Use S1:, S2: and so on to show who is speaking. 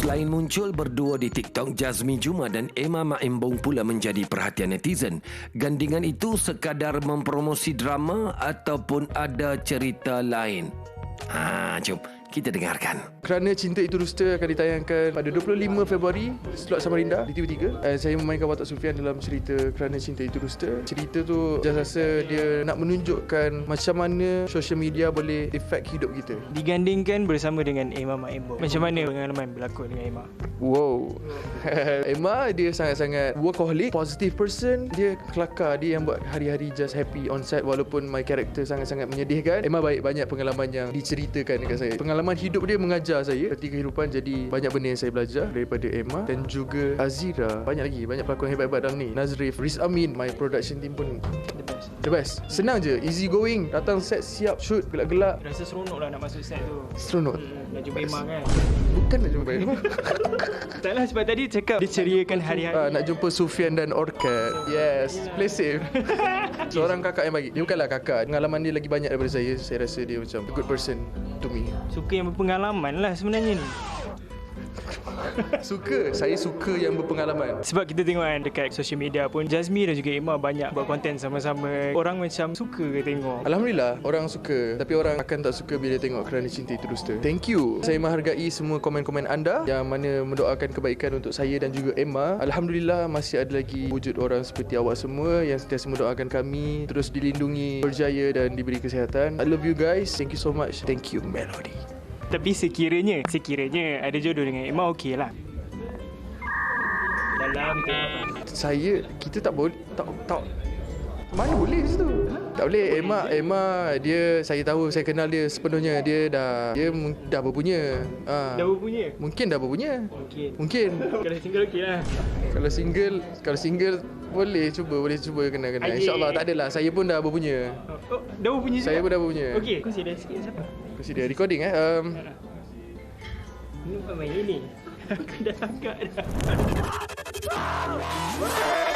S1: Selain muncul berdua di TikTok, Jazmi Juma dan Emma Maembong pula menjadi perhatian netizen. Gandingan itu sekadar mempromosi drama ataupun ada cerita lain? Jom kita dengarkan.
S2: Kerana Cinta Itu Dusta akan ditayangkan pada 25 Februari slot Samarinda di TV3. Saya memainkan watak Sufian dalam cerita Kerana Cinta Itu Dusta. Cerita tu just rasa dia nak menunjukkan macam mana social media boleh efek hidup kita.
S3: Digandingkan bersama dengan Emma Maembong. Macam mana pengalaman berlakon dengan Emma?
S2: Wow. Emma dia sangat-sangat workaholic, positive person. Dia kelakar, dia yang buat hari-hari just happy on set walaupun my character sangat-sangat menyedihkan. Emma banyak pengalaman yang diceritakan dekat saya. Pengalaman hidup dia mengajar saya erti kehidupan, jadi banyak benda yang saya belajar daripada Emma dan juga Azira. Banyak pelakon hebat-hebat dalam ni. Nazrif, Riz Amin, my production team pun the best. Senang je, easy going. Datang set, siap shoot, gelak-gelak.
S3: Rasa seronok lah nak masuk set tu.
S2: Seronok.
S3: Nak jumpa Emma kan?
S2: Bukan nak jumpa Emma.
S3: Taklah, sebab tadi cakap dia ceriakan hari-hari.
S2: Nak jumpa Sufian dan Orchid. Yes, play safe. Seorang kakak yang bagi. Dia bukanlah kakak, pengalaman dia lagi banyak daripada saya. Saya rasa dia macam a good person to me.
S3: Suka yang berpengalaman lah sebenarnya ni.
S2: Saya suka yang berpengalaman.
S3: Sebab kita tengok kan dekat social media pun, Jazmi dan juga Emma banyak buat konten sama-sama. Orang macam suka ke tengok?
S2: Alhamdulillah, orang suka. Tapi orang akan tak suka bila tengok Kerana Cinta Itu Dusta. Thank you. Saya menghargai semua komen-komen anda yang mana mendoakan kebaikan untuk saya dan juga Emma. Alhamdulillah, masih ada lagi wujud orang seperti awak semua yang sentiasa mendoakan kami terus dilindungi, berjaya dan diberi kesihatan. I love you guys. Thank you so much. Thank you, Melody.
S3: Tapi sekiranya ada jodoh dengan Emma, okey lah. Dalam
S2: kita tak boleh tak mana boleh situ. Tak boleh. Emma dia, saya tahu, saya kenal dia sepenuhnya. Dia dah berpunya.
S3: Dah berpunya?
S2: Mungkin dah berpunya. Mungkin.
S3: Kalau single okey lah.
S2: Kalau single boleh cuba kena. InsyaAllah tak adalah. Saya pun dah berpunya.
S3: Dah berpunya juga?
S2: Saya pun dah berpunya.
S3: Okey, consider sikit siapa?
S2: Consider recording
S3: Ini bukan main ini. Aku dah agak dah.